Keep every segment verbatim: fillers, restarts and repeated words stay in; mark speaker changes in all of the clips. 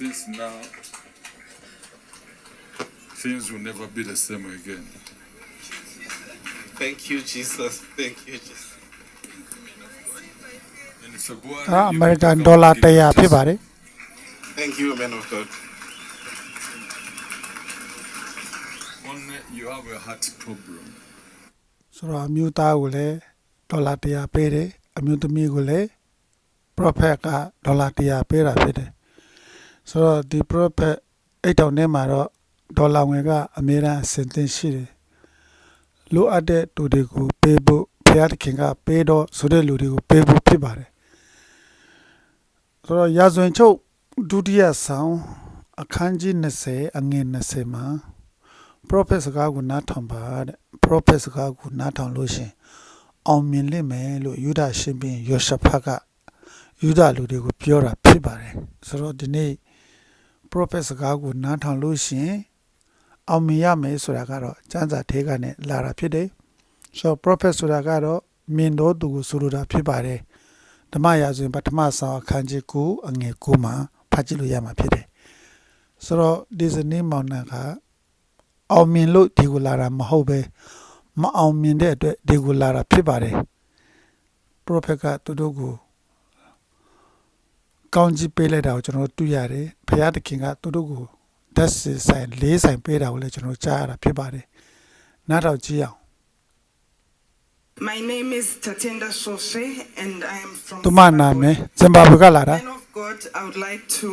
Speaker 1: since now things will never be the same again.
Speaker 2: Thank you, Jesus. Thank you, Jesus.
Speaker 1: In February,
Speaker 3: ဒါ
Speaker 1: you
Speaker 3: အမေရိကန်
Speaker 1: become
Speaker 3: ဒေါ်လာ
Speaker 1: a
Speaker 3: တစ်ရာ
Speaker 1: gift.
Speaker 3: ဖြစ်ပါတယ်
Speaker 2: Thank you, man of God.
Speaker 1: Only you have a heart problem.
Speaker 3: ဆိုတော့အမျိုးသားကိုလည်းဒေါ်လာတစ်ရာပေးတယ်အမျိုးသမီးကိုလည်း prophet ကဒေါ်လာတစ်ရာပေးတာဖြစ်တယ်ဆိုတော့ဒီ prophet အိတ်တောင်ထဲမှာတော့ဒေါ်လာငွေကအများအားအဆင်သင့်ရှိတယ်လိုအပ်တဲ့သူတွေကိုပေးဖို့ဘုရားသခင်ကပေးတော့ဆိုတဲ့လူတွေကိုပေးဖို့ဖြစ်ပါတယ်ဆိုတော့ရာဇဝင်ချုပ်ဒုတိယဆောင်အခန်းကြီး20အငယ်20မှာ prophet စကားကိုနားထောင်ပါတဲ့ prophet စကားကိုနားထောင်လို့ရှင်အောင်မြင်လိမ့်မယ်လို့ယူဒရှင်ဘုရင်ယောရှဖတ်ကယူဒလူတွေကိုပြောတာဖြစ်ပါတယ်ဆိုတော့ဒီနေ့ prophet စကားကိုနားထောင်လို့ရှင်အောင်မြင်ရမယ်ဆိုတာကတော့စံစာထဲကနေလာတာဖြစ်တယ်ဆိုတော့ prophet ဆိုတာကတော့မြင်တော်သူကိုဆိုလိုတာဖြစ်ပါတယ်ဓမ္မရာဇဝင်ပထမဆောင်အခန်းကြီး9အငယ်9မှာဖတ်ကြည့်လို့ရမှာဖြစ်တယ်ဆိုတော့ဒီစနေမောင်နှံကအောင်မြင်လို့ဒီကိုလာတာမဟုတ်ပဲမအောင်မြင်တဲ့အတွက်ဒီကိုလာတာဖြစ်ပါတယ် prophet ကသူတို့ကိုကောင်းကြီးပေးလိုက်တာကိုကျွန်တော်တွေ့ရတယ်ဘုရားသခင်ကသူတို့ကိုဓာတ်စီဆိုင်လေးဆိုင်ပေးတာကိုလည်းကျွန်တော်ကြားရတာဖြစ်ပါတယ်နားထောင်ကြည့်အောင်
Speaker 4: My name is Tatenda Sose and I am from
Speaker 3: သူမနာမည်ဇင်ဘာဘွေကလာတာ
Speaker 4: Man of God, I would like to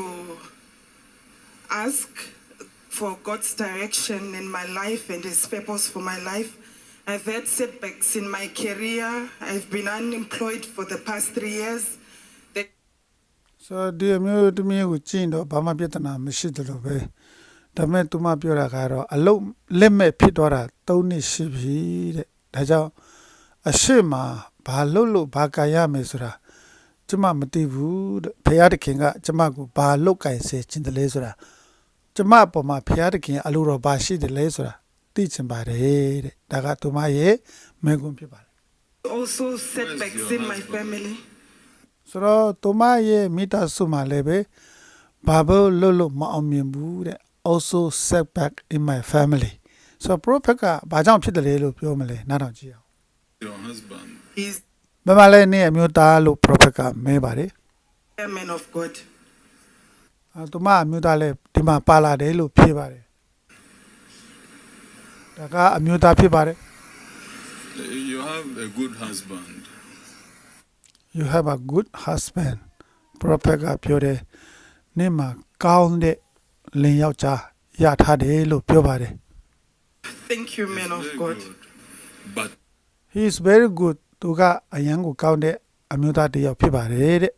Speaker 4: ask for God's direction in my life and His purpose for my life. I've had setbacks in my career. I've been unemployed for the past three years. The
Speaker 3: so ဒီအမျိုးသမီးကိုကြည့်တော့ဘာမှပြဿနာမရှိသလိုပဲဒါပေမဲ့သူမပြောတာကတော့အလုံးလက်မဲ့ဖြစ်သွားတာ၃နှစ်ရှိပြီတဲ့ဒါကြောင့်အရှိမဘာလို့လို့ဘာကရမယ်ဆိုတာကျမမသိဘူးတဲ့ဘုရားသခင်ကကျမကိုဘာလုတ်ကင်စေခြင်းတလဲဆိုတာကျမအပေါ်မှာဘုရားသခင်အလိုတော်ဘာရှိတယ်လဲဆိုတာသိချင်ပါတယ်တဲ့ဒါကသူမရဲ့မေကွန်းဖြစ်ပါတယ်
Speaker 4: also setbacks in my family.
Speaker 3: ဆိုတော့သူမရဲ့မိသားစုမှာလည်းပဲဘာလို့လို့လို့မအောင်မြင်ဘူးတဲ့ also setback in my family so prophet ကဘာကြောင့်ဖြစ်တယ်လဲလို့ပြောမလဲနားထောင်ကြည့်အောင်
Speaker 1: Your husband.
Speaker 4: He's
Speaker 3: မမလည်းနေအမျိုးသားလို့ prophet ကမဲပါတယ်
Speaker 4: a man of God.
Speaker 3: အဲသူမအမျိုးသားလည်းဒီမှာပါလာတယ်လို့ဖြေပါတယ်ဒါကအမျိုးသားဖြစ်ပါတယ်
Speaker 1: You have a good husband.
Speaker 3: you have a good husband prophet ကပြောတယ်နေမှာကောင်းတဲ့လင်ယောက်ျားရထားတယ်လို့ပြောပါတယ်
Speaker 4: Thank you,
Speaker 1: He's
Speaker 4: man of
Speaker 1: very
Speaker 4: God.
Speaker 1: good. But
Speaker 3: he is very good သူကအရန်ကိုကောင်းတဲ့အမျိုးသားတစ်ယောက်ဖြစ်ပါတယ်တဲ့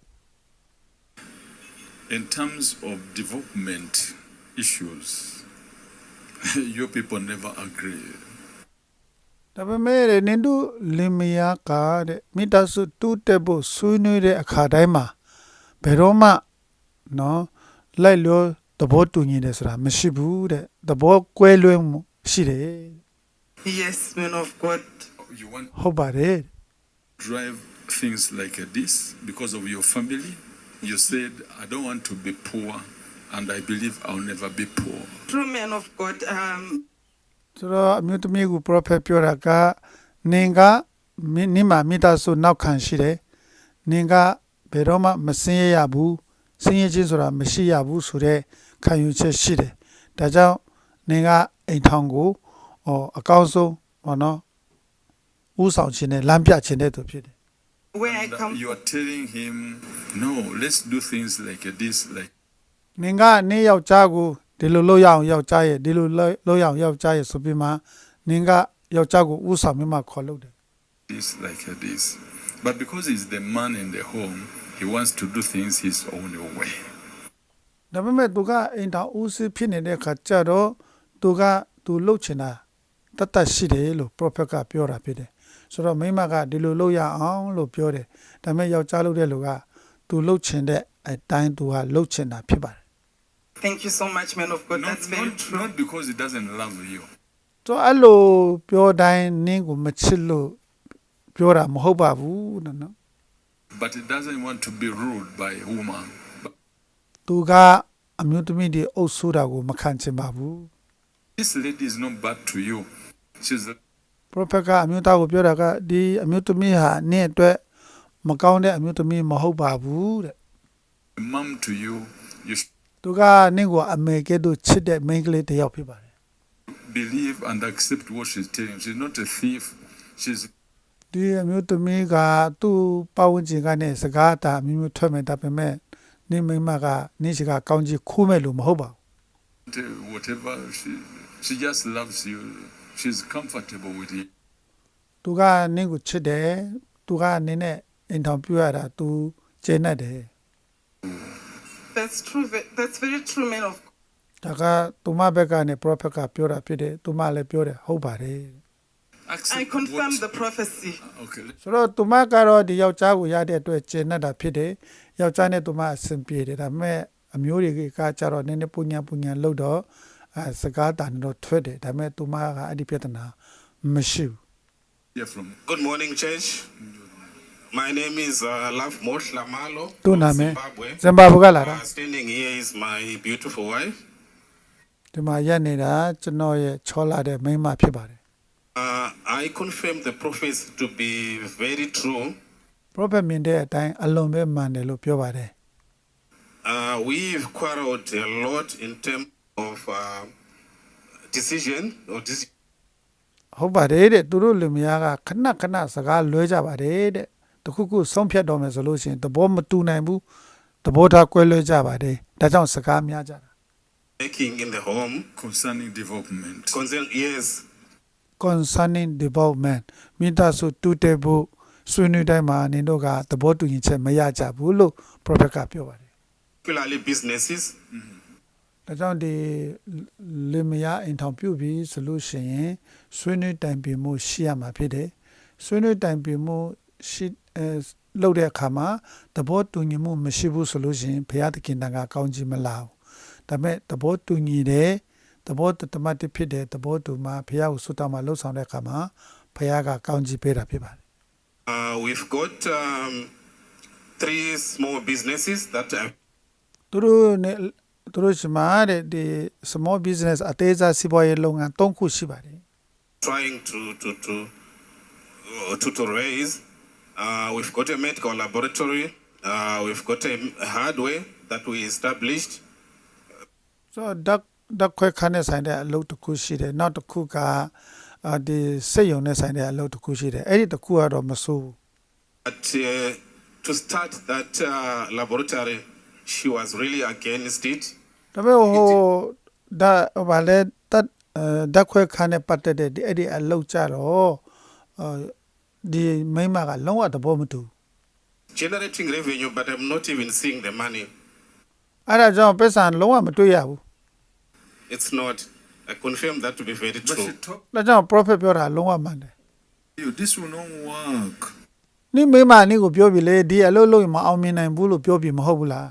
Speaker 1: in terms of development issues, you people never agree.
Speaker 3: ဒါပေမဲ့နင်တို့လင်မယားကတဲ့မိသားစုတူတက်ဖို့ဆွေးနွေးတဲ့အခါတိုင်းမှာဘယ်တော့မှနော်လိုက်လို့သဘောတူညီတယ်ဆိုတာမရှိဘူးတဲ့သဘောကွဲလွဲမှုရှိတယ်
Speaker 4: Yes, man of God.
Speaker 1: You want to
Speaker 3: ဟုတ်ပါတယ်
Speaker 1: drive things like this because of your family. You said, I don't want to be poor, and I believe I'll never be poor.
Speaker 4: True man of God. Um,
Speaker 3: ဆိုတော့အမျိုးသမီးက prophet ပြောတာကနင်ကနိမမိသားစုနောက်ခံရှိတယ်နင်ကဘယ်တော့မှမစင်းရရဘူးစင်းရချင်းဆိုတာမရှိရဘူးဆိုတော့ခံယူချက်ရှိတယ်ဒါကြောင့်နင်ကအိမ်ထောင်ကိုဟောအကောင်းဆုံးဟောနော်ဥဆောင်ခြင်းနဲ့လမ်းပြခြင်းတဲ့သူဖြစ်တယ်
Speaker 4: where I
Speaker 1: And, uh,
Speaker 4: come
Speaker 1: you are telling him, no, let's do things like this, like
Speaker 3: နင်ကနေယောက်ျားကိုဒီလိုလုပ်ရအောင်ယောက်ျားရဲ့ဒီလိုလုပ်ရအောင်ယောက်ျားရဲ့ဆိုပြီးမှနင်ကယောက်ျားကိုဥဆောင်ပြီးမှခေါ်လို့တယ်
Speaker 1: this, like this. But because he's the man in the home, he wants to do things his own way.
Speaker 3: ဒါပေမဲ့သူကအိမ်ထောင်ဦးစီးဖြစ်နေတဲ့အခါကျတော့သူကသူလှုပ်ချင်တာတတ်တတ်ရှိတယ်လို့ prophet ကပြောတာဖြစ်တယ်ဆိုတော့မိမကဒီလိုလုပ်ရအောင်လို့ပြောတယ်ဒါပေမဲ့ယောက်ျားလုပ်တဲ့လူကသူလှုပ်ချင်တဲ့အတိုင်းသူကလှုပ်ချင်တာဖြစ်ပါတယ်
Speaker 4: Thank you so much, man of God.
Speaker 1: Not,
Speaker 4: That's very
Speaker 1: not,
Speaker 4: true.
Speaker 1: not because he doesn't love you.
Speaker 3: ဆိုအဲ့လိုပြောတိုင်းနင်းကိုမချစ်လို့ပြောတာမဟုတ်ပါဘူးနော်
Speaker 1: But he doesn't want to be ruled by a woman. But
Speaker 3: သူကအအမျိုးသမီးတွေအုပ်ဆိုးတာကိုမခံချင်ပါဘူး
Speaker 1: This lady is not bad to you. She's a
Speaker 3: prophet ကအမျိုးသားကိုပြောတာကဒီအမျိုးသမီးဟာနင့်အတွက်မကောင်းတဲ့အမျိုးသမီးမဟုတ်ပါဘူးတဲ့
Speaker 1: mom to you. You should
Speaker 3: သူကနင့်ကိုအမေကဲ့သို့ချစ်တဲ့မိန်းကလေးတစ်ယောက်ဖြစ်ပါတယ်
Speaker 1: believe and accept what she's telling you. She's not a thief. She's
Speaker 3: ဒီအမျိုးသမီးကသူ့ပတ်ဝန်းကျင်ကနေစကားတာအမျိုးမျိုးထွက်မဲ့ဒါပေမဲ့နင့်မိန်းမကနင့်ရှိကကောင်းကြီးခိုးမဲ့လို့မဟုတ်ပါဘူး
Speaker 1: not, uh, whatever. She, she just loves you. She's comfortable with you.
Speaker 3: သူကနင့်ကိုချစ်တယ်သူကနင့်နဲ့အိမ်ထောင်ပြရတာသူကျေနပ်တယ်
Speaker 4: That's true. ve- That's very true, man of God.
Speaker 3: ဒါကသူမဘက်ကနေ prophet ကပြောတာဖြစ်တယ်သူမလည်းပြောတယ်ဟုတ်ပါတယ်
Speaker 1: Accept
Speaker 4: I confirm
Speaker 1: what-
Speaker 4: the prophecy.
Speaker 1: Okay. let-
Speaker 3: ဆိုတော့သူမကတော့ဒီယောက်ျားကိုရတဲ့အတွက်ကျေနပ်တာဖြစ်တယ်ယောက်ျားနဲ့သူမအဆင်ပြေတယ်ဒါပေမဲ့အမျိုးတွေကကြတော့နည်းနည်းပူညာပူညာလို့တော့အဲစကားတန်တော့ထွက်တယ်ဒါပေမဲ့သူမကအဲ့ဒီပြဿနာမရှိဘူး
Speaker 1: Hear from
Speaker 2: Good morning, church. My name is uh, Love Mosh Lamalo
Speaker 3: သူ့
Speaker 2: from
Speaker 3: နာမည်
Speaker 2: Zimbabwe.
Speaker 3: ဇင်ဘာဘူကလာတာ
Speaker 2: Uh, standing here is my beautiful wife.
Speaker 3: ဒီမှာရက်နေတာကျွန်တော်ရဲ့ချောလာတဲ့မိန်းမဖြစ်ပါတယ်
Speaker 2: Uh, I confirm the prophets to be very true.
Speaker 3: prophet မြင်တဲ့အတိုင်းအလွန်ပဲမှန်တယ်လို့ပြောပါတယ်
Speaker 2: Uh, we've quarreled a lot in terms of uh, decision or decision.
Speaker 3: ဟုတ်ပါတယ်တဲ့သူတို့လူများကခဏခဏစကားလွဲကြပါတယ်တဲ့တခုခုဆုံးဖြတ်တော်မယ်ဆိုလို့ရှိရင်သဘောမတူနိုင်ဘူးသဘောထားကွဲလွဲကြပါတယ်ဒါကြောင့်စကားများကြတာ
Speaker 2: making in the home.
Speaker 1: concerning development.
Speaker 2: Concern, yes.
Speaker 3: concerning development မိသားစုတူတဲ့ဖို့ဆွေးနွေးတိုင်းမှာနင်တို့ကသဘောတူညီချက်မရကြဘူးလို့ prophet ကပြောပါတယ်
Speaker 2: Particularly businesses.
Speaker 3: ဒါကြောင့်ဒီလင်မယားအိမ်ထောင်ပြုပြီးဆိုလို့ရှိရင်ဆွေးနွေးတိုင်ပင်မှုရှိရမှာဖြစ်တယ်ဆွေးနွေးတိုင်ပင်မှုရှိအဲလုပ်တဲ့အခါမှာသဘောတူညီမှုမရှိဘူးဆိုလို့ရှိရင်ဘုရားသခင်တန်ခါကောင်းကြီးမလာဘူးဒါပေမဲ့သဘောတူညီတယ်သဘောတမတ်တဖြစ်တဲ့သဘောတူမှာဘုရားကိုစွတ်တော်မှာလှုပ်ဆောင်တဲ့အခါမှာဘုရားကကောင်းကြီးပေးတာဖြစ်ပါတယ်
Speaker 2: Uh, we've got um, three small businesses that are
Speaker 3: သူတို့နဲ့သူတို့ရှိမှာတဲ့ဒီ small business အသေးစားစီးပွားရေးလုပ်ငန်း၃ခုရှိပါတယ်
Speaker 2: trying to to to uh, to, to raise. Uh, we've got a medical laboratory. Uh, we've got a hardware that we established.
Speaker 3: so ဓာတ်ဓာတ်ခွဲခန်းနဲ့ဆိုင်တဲ့အလုပ်တစ်ခုရှိတယ်နောက်တစ်ခုကအာဒီစိတ်ယုံနဲ့ဆိုင်တဲ့အလုပ်တစ်ခုရှိတယ်အဲ့ဒီတစ်ခုကတော့မဆိုးဘူး
Speaker 2: But uh, to start that uh, laboratory, she was really against it.
Speaker 3: ဒါပေမဲ့ဟိုဒါဘာလဲတတ်အဲဓာတ်ခွဲခန်းနဲ့ပတ်သက်တဲ့ဒီအဲ့ဒီအလုပ်ကြတော့အဲဒီမိမကလုံးဝသဘောမတူ
Speaker 2: Generating revenue, but I'm not even seeing the money.
Speaker 3: အဲ့ဒါကြောင့်ပတ်စံလုံးဝမတွေ့ရဘူး
Speaker 2: It's not. I confirm that to be very
Speaker 1: But
Speaker 2: true.
Speaker 1: she told
Speaker 3: ဒါကြောင့် prophet ပြောတာလုံးဝမှန်တယ်
Speaker 1: you this will not work.
Speaker 3: နိမိမနိကိုပြောပြီလေဒီအလုပ်လုပ်ရင်မအောင်မြင်နိုင်ဘူးလို့ပြောပြီမဟုတ်ဘူးလား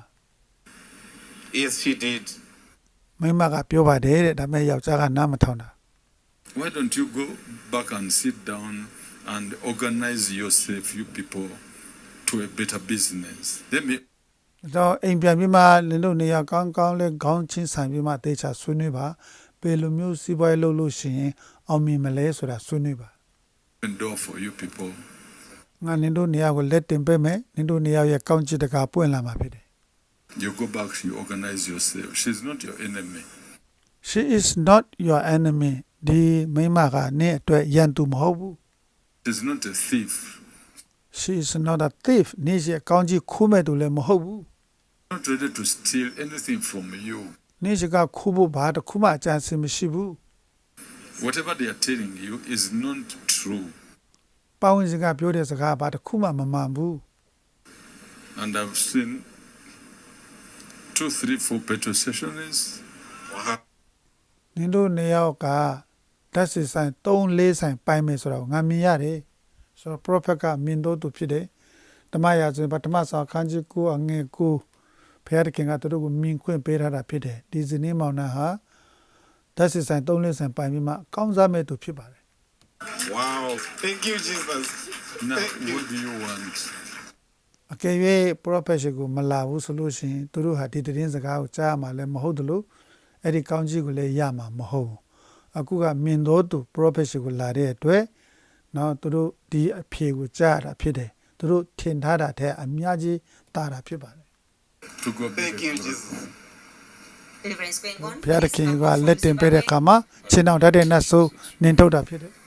Speaker 2: Yes, she did.
Speaker 3: မိမကပြောပါတယ်တဲ့ဒါပေမဲ့ယောက်ျားကနားမထောင်တာ
Speaker 1: Why don't you go back and sit down and organize yourself, you people, to a better business? Let me
Speaker 3: တော့အိမ်ပြန်ပြီးမှလင်းတို့နေရာကောင်းကောင်းလေးခေါင်းချင်းဆိုင်ပြီးမှတေချာဆွေးနွေးပါဘယ်လိုမျိုးစီးပွားရေးလုပ်လို့ရှိရင်အောင်မြင်မလဲဆိုတာဆွေးနွေးပါ
Speaker 1: open door for you people.
Speaker 3: ငါလင်းတို့နေရာကိုလက်တင်ပေးမယ်လင်းတို့နေရာရဲ့ကောင်းချစ်တကာပွင့်လာမှာဖြစ်တယ်
Speaker 1: You go back, you organize yourself. She's not your enemy.
Speaker 3: She is not your enemy ဒီမိမကနင့်အတွက်ရန်သူမဟုတ်ဘူး
Speaker 1: She's not a thief.
Speaker 3: She is not a thief နင့်ရဲ့ကောင်းချစ်ခိုးမဲ့သူလည်းမဟုတ်ဘူး
Speaker 1: Not ready to steal anything from you.
Speaker 3: နင့်ကခိုးဖို့ဘာတစ်ခုမှအကြံစီမရှိဘူး
Speaker 1: Whatever they are telling you is not true.
Speaker 3: ပေါင်းစကားပြောတဲ့စကားဘာတစ်ခုမှမမှန်ဘူး
Speaker 1: And I've seen two, three, four petrol stations.
Speaker 2: Wow.
Speaker 3: နင်တို့နေရောက်ကဓာတ်စီဆိုင်၃၄ဆိုင်ပိုင်မယ်ဆိုတော့ငါမြင်ရတယ်ဆိုတော့ prophet ကမြင်တော့သူဖြစ်တယ်ဓမ္မရာဇဝင်ပထမဆောင်ခန်းကြီးကိုအငယ်ကိုဘုရားသခင်ကသူတို့ကိုမြင်ခွင့်ပေးထားတာဖြစ်တယ်ဒီဇနီးမောင်နှံဟာဓာတ်စီဆိုင်၃၄ဆိုင်ပိုင်ပြီးမှကောင်းစားမဲ့သူဖြစ်ပါတယ်
Speaker 2: Wow. Thank you, Jesus.
Speaker 1: Now,
Speaker 2: Thank you.
Speaker 1: what do you want?
Speaker 3: အကယ်၍ prophet ရှိကိုမလာဘူးဆိုလို့ရှိရင်သူတို့ဟာဒီသတင်းစကားကိုကြားမှာလည်းမဟုတ်သလိုအဲ့ဒီကောင်းကြီးကိုလည်းရမှာမဟုတ်ဘူးအခုကမြင်တော်သူ prophet ရှိကိုလာတဲ့အတွက်နော်သူတို့ဒီအဖြေကိုကြားရတာဖြစ်တယ်သူတို့ထင်ထားတာတဲ့အများကြီးတာတာဖြစ်ပါတယ်
Speaker 1: To God be
Speaker 2: Thank
Speaker 1: the
Speaker 2: you,
Speaker 1: glory.
Speaker 2: Jesus.
Speaker 5: Deliverance going on.
Speaker 3: ဘုရားသခင်ကလက်တင်ပေးတဲ့အခါမှာချင်းအောင်တတ်တဲ့နတ်ဆိုးနင်ထုတ်တာဖြစ်တယ်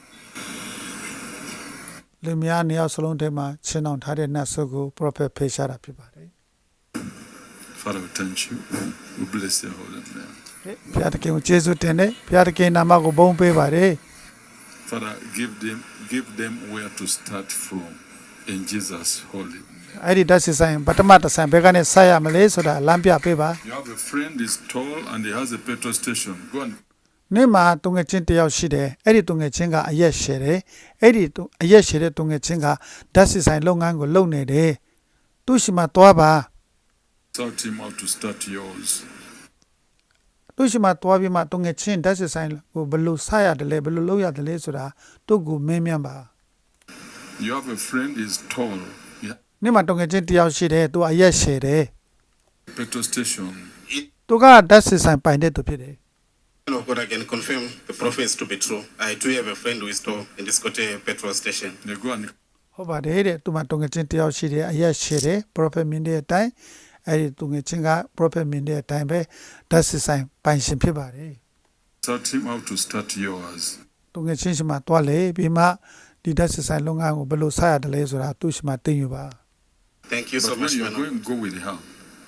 Speaker 3: လူများနေရာစလုံးထဲမှာချင်းအောင်ထားတဲ့နတ်ဆိုးကို prophet ဖေရှားတာဖြစ်ပါတယ်
Speaker 1: Father, we thank you. We bless your holy name.
Speaker 3: ဘုရားသခင်ကိုကျေးဇူးတင်တယ်ဘုရားသခင်နာမကိုဘုန်းပေးပါတယ်
Speaker 1: Father, give them give them where to start from in Jesus' holy name.
Speaker 3: အဲ့ဒီဓာတ်စစ်ဆိုင်ပထမတစ်ဆိုင်ဘယ်ကနေဆက်ရမလဲဆိုတာလမ်းပြပေးပါ
Speaker 1: You have a friend is tall and he has a petrol station. Go and
Speaker 3: နေ့မှာတုံငယ်ချင်းတစ်ယောက်ရှိတယ်အဲ့ဒီတုံငယ်ချင်းကအရက်ရှည်တယ်အဲ့ဒီအရက်ရှည်တဲ့တုံငယ်ချင်းကဓာတ်စစ်ဆိုင်လုပ်ငန်းကိုလုပ်နေတယ်သူ့ရှိမှသွားပါ
Speaker 1: sort him out to start yours.
Speaker 3: သူ့ရှိမှသွားပြီးမှတုံငယ်ချင်းဓာတ်စစ်ဆိုင်ကိုဘယ်လိုဆက်ရတယ်လဲဘယ်လိုလုပ်ရတယ်လဲဆိုတာသူ့ကိုမင်းမြန်းပါ
Speaker 1: You have a friend is tall. He has
Speaker 3: နေ့မှာတုံငယ်ချင်းတစ်ယောက်ရှိတယ်သူအရက်ရှည်တယ်
Speaker 1: a petrol station.
Speaker 2: It,
Speaker 3: သူကဓာတ်စစ်ဆိုင်ပိုင်တဲ့သူဖြစ်တယ်
Speaker 2: man of God, I can confirm the prophets to be true. I do have a friend who is tall in this Kote petrol station.
Speaker 1: They go and
Speaker 3: ဟုတ်ပါတယ်တဲ့သူမှတုံငယ်ချင်းတစ်ယောက်ရှိတယ်အရက်ရှည်တယ် prophet မြင်တဲ့အတိုင်းအဲ့ဒီတုံငယ်ချင်းက prophet မြင်တဲ့အတိုင်းပဲဓာတ်စစ်ဆိုင်ပိုင်ရှင်ဖြစ်ပါတယ်
Speaker 1: sort him out to start yours.
Speaker 3: တုံငယ်ချင်းရှိမှတွားလေပြီးမှဒီဓာတ်စစ်ဆိုင်လုပ်ငန်းကိုဘယ်လိုဆက်ရတယ်လဲဆိုတာသူ့ရှိမှသိယူပါ
Speaker 2: Thank you so
Speaker 1: But when
Speaker 2: much,
Speaker 1: you're
Speaker 2: man. of-
Speaker 1: going, go with her.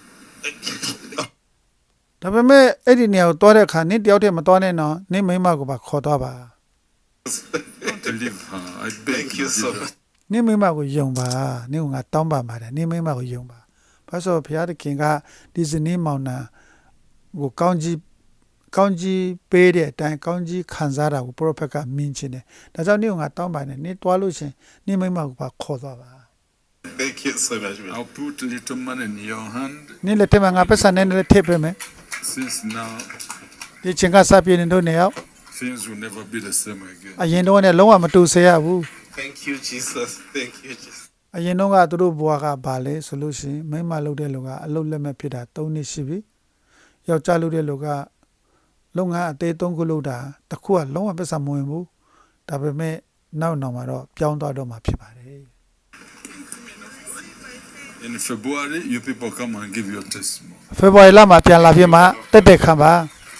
Speaker 3: ဒါပေမဲ့အဲ့ဒီနေရာကိုတွားတဲ့အခါနင်းတယောက်တည်းမတွားနဲ့နော်နင်းမိန်းမကိုပါခေါ်သွားပါ
Speaker 1: Don't leave her. I beg
Speaker 2: Thank
Speaker 1: you.
Speaker 2: you so
Speaker 1: Jesus.
Speaker 2: much.
Speaker 3: နင်းမိန်းမကိုယုံပါနင်းကငါတောင်းပါပါတယ်နင်းမိန်းမကိုယုံပါဘာလို့ဘုရားသခင်ကဒီဇနီးမောင်နှံကိုကောင်းကြီးကောင်းကြီးပေးတဲ့အတိုင်းကောင်းကြီးခံစားတာကို prophet ကမြင်ချင်တယ်ဒါကြောင့်နင်းကငါတောင်းပါတယ်နင်းတွားလို့ရှင်နင်းမိန်းမကိုပါခေါ်သွားပါ
Speaker 2: Thank you so much, man.
Speaker 1: I'll put little money in your hand.
Speaker 3: နင်းလက်ထက်မှာငါပတ်စံနဲ့လည်းထည့်ပေးမယ်
Speaker 1: Since now,
Speaker 3: ဒီချင်းကစပြည့်နေတို့နေရောက်
Speaker 1: things will never be the same again.
Speaker 3: အရင်တော့နဲ့လုံးဝမတူစေရဘူး
Speaker 2: Thank you, Jesus. Thank you, Jesus.
Speaker 3: အရင်တော့ကသူတို့ဘွားကဘာလဲဆိုလို့ရှိရင်မိန်းမလုပ်တဲ့လူကအလုပ်လက်မဲ့ဖြစ်တာ၃နှစ်ရှိပြီယောက်ျားလုပ်တဲ့လူကလုပ်ငန်းအသေးသုံးခုလုပ်တာတစ်ခုကလုံးဝပတ်စံမဝင်ဘူးဒါပေမဲ့နောက်နောက်မှာတော့ပြောင်းသွားတော့မှာဖြစ်ပါတယ်
Speaker 1: In February, you people come and give your testimony.
Speaker 3: ဖေဖော်ဝါရီလမှာပြန်လာပြမှာတက်တက်ခံပါ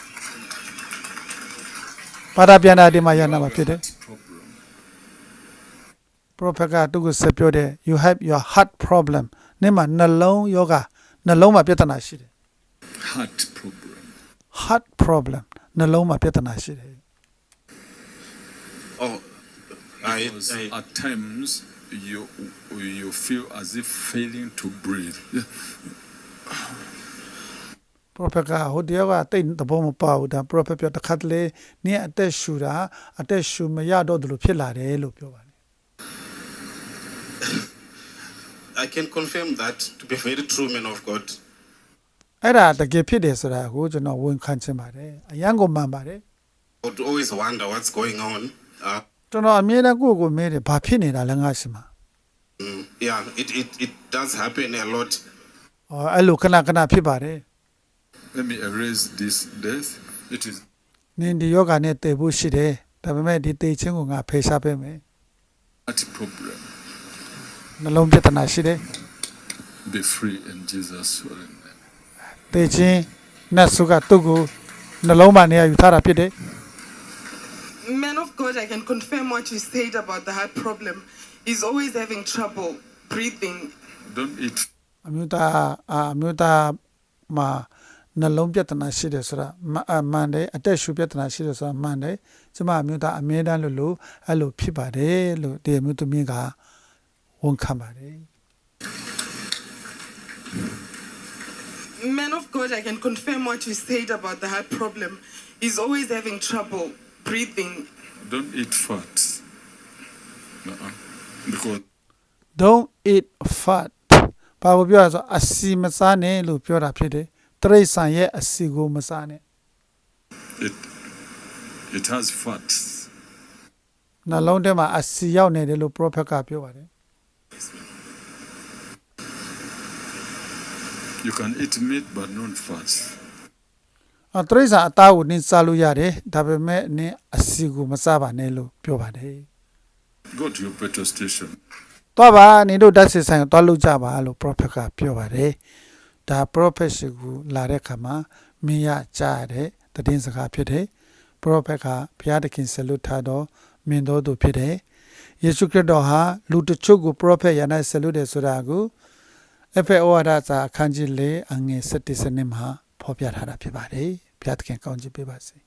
Speaker 3: ပါတာပြန်တာဒီမှာရနာမှာဖြစ်တယ်
Speaker 1: Problem.
Speaker 3: prophet ကသူ့ကိုဆက်ပြောတယ် you have your heart problem နေ့မှာနှလုံးယောဂနှလုံးမှာပြဿနာရှိတယ်
Speaker 1: Heart problem.
Speaker 3: heart problem နှလုံးမှာပြဿနာရှိတယ်
Speaker 2: Oh, I,
Speaker 1: Because
Speaker 2: I,
Speaker 1: at times you you feel as if failing to breathe.
Speaker 3: prophet ကဟိုတယောက်ကတိတ်သဘောမပေါဘူးဒါ prophet ပြောတစ်ခါတလေနင်းအသက်ရှူတာအသက်ရှူမရတော့တယ်လို့ဖြစ်လာတယ်လို့ပြောပါတယ်
Speaker 2: I can confirm that to be very true, man of God.
Speaker 3: အဲ့ဒါတကယ်ဖြစ်တယ်ဆိုတာကိုကျွန်တော်ဝန်ခံချင်ပါတယ်အရန်ကိုမှန်ပါတယ်
Speaker 2: I would always wonder what's going on. Uh,
Speaker 3: ကျွန်တော်အမြဲတမ်းကိုယ့်ကိုယ်မေးတယ်ဘာဖြစ်နေတာလဲငါရှိမှာ
Speaker 2: mm, yeah, it, it, it does happen a lot.
Speaker 3: အော်အဲ့လိုခဏခဏဖြစ်ပါတယ်
Speaker 1: Let me erase this death. It is
Speaker 3: နင်းဒီယောဂနဲ့တည်ဖို့ရှိတယ်ဒါပေမဲ့ဒီတည်ခြင်းကိုငါဖေရှားပေးမယ်
Speaker 1: heart problem.
Speaker 3: နှလုံးပြဿနာရှိတယ်
Speaker 1: Be free in Jesus' holy name.
Speaker 3: တည်ခြင်းနတ်ဆုကသူ့ကိုနှလုံးမှာနေရာယူထားတာဖြစ်တယ်
Speaker 4: Man of God, I can confirm what you said about the heart problem. He's always having trouble breathing.
Speaker 1: Don't eat
Speaker 3: အမျိုးသားအာအမျိုးသားမှာနှလုံးပြဿနာရှိတယ်ဆိုတာမအမှန်တယ်အသက်ရှူပြဿနာရှိတယ်ဆိုတာမှန်တယ်ကျမအမျိုးသားအမြဲတမ်းလို့လို့အဲ့လိုဖြစ်ပါတယ်လို့ဒီအမျိုးသမီးကဝန်ခံပါတယ်
Speaker 4: Man of God, I can confirm what you said about the heart problem. He's always having trouble breathing.
Speaker 1: don't eat fat. Uh-uh. Because
Speaker 3: don't eat fat ဘာကိုပြောရဆိုအစီမစားနဲ့လို့ပြောတာဖြစ်တယ်တရိษံရဲ့အစီကိုမစားနဲ့
Speaker 1: it it has fat.
Speaker 3: နှလုံးထဲမှာအစီရောက်နေတယ်လို့ prophet ကပြောပါတယ်
Speaker 1: You can eat meat but not fat.
Speaker 3: အတရိษံအသားကိုနင်းစားလို့ရတယ်ဒါပေမဲ့နင်းအစီကိုမစားပါနဲ့လို့ပြောပါတယ်
Speaker 1: Go to your petrol station.
Speaker 3: သွားပါနင်တို့ဓာတ်စစ်ဆိုင်ကိုသွားလို့ကြပါလို့ prophet ကပြောပါတယ်ဒါ prophet ရှိကိုလာတဲ့ခါမှာမင်းရကြားရတဲ့တည်င်းစကားဖြစ်တယ် prophet ကဘုရားသခင်ဆက်လွတ်ထားတော့မင်းတော်သူဖြစ်တယ်ယေရှုခရစ်တော်ဟာလူတချို့ကို prophet ရနိုင်ဆက်လွတ်တယ်ဆိုတာကိုအဖေဩဝါဒစာအခန်းကြီး၄အငယ်၁၁စနစ်မှာဖော်ပြထားတာဖြစ်ပါတယ်ဘုရားသခင်ကောင်းချီးပေးပါစေ